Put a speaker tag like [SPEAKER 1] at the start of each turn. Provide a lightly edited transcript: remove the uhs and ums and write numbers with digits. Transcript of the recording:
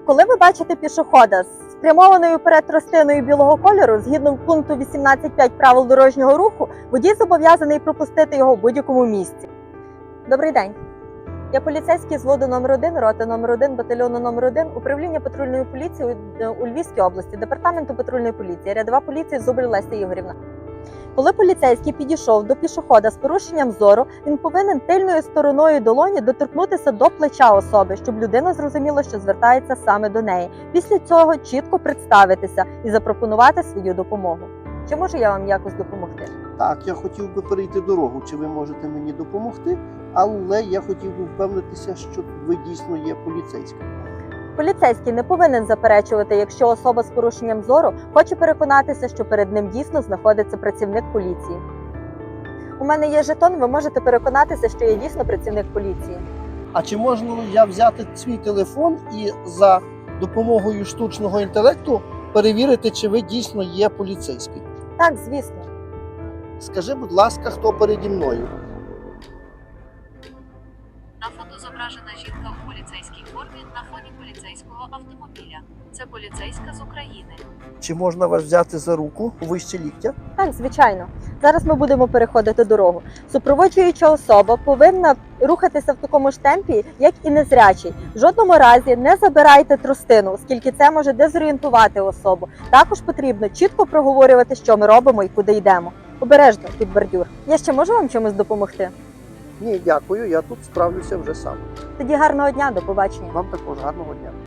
[SPEAKER 1] Коли ви бачите пішохода з спрямованою вперед тростиною білого кольору, згідно пункту 18.5 правил дорожнього руху, водій зобов'язаний пропустити його в будь-якому місці. Добрий день. Я поліцейський з взводу номер 1, роти номер 1, батальйону номер 1, управління патрульної поліції у Львівській області, департаменту патрульної поліції, рядова поліції Зубрів Леся Ігорівна. Коли поліцейський підійшов до пішохода з порушенням зору, він повинен тильною стороною долоні доторкнутися до плеча особи, щоб людина зрозуміла, що звертається саме до неї. Після цього чітко представитися і запропонувати свою допомогу. Чи можу я вам якось допомогти?
[SPEAKER 2] Так, я хотів би перейти дорогу. Чи ви можете мені допомогти? Але я хотів би впевнитися, що ви дійсно є поліцейським.
[SPEAKER 1] Поліцейський не повинен заперечувати, якщо особа з порушенням зору хоче переконатися, що перед ним дійсно знаходиться працівник поліції. У мене є жетон, ви можете переконатися, що я дійсно працівник поліції.
[SPEAKER 2] А чи можна я взяти свій телефон і за допомогою штучного інтелекту перевірити, чи ви дійсно є поліцейський?
[SPEAKER 1] Так, звісно.
[SPEAKER 2] Скажи, будь ласка, хто переді мною?
[SPEAKER 3] На фото зображена жінка у поліцейській формі на фоні поліцейського автомобіля. Це поліцейська з України.
[SPEAKER 2] Чи можна вас взяти за руку вище ліктя?
[SPEAKER 1] Так, звичайно. Зараз ми будемо переходити дорогу. Супроводжуюча особа повинна рухатися в такому ж темпі, як і незрячий. В жодному разі не забирайте тростину, оскільки це може дезорієнтувати особу. Також потрібно чітко проговорювати, що ми робимо і куди йдемо. Обережно під бордюр. Я ще можу вам чимось допомогти?
[SPEAKER 2] Ні, дякую, я тут справлюся вже сам.
[SPEAKER 1] Тоді гарного дня, до побачення.
[SPEAKER 2] Вам також гарного дня.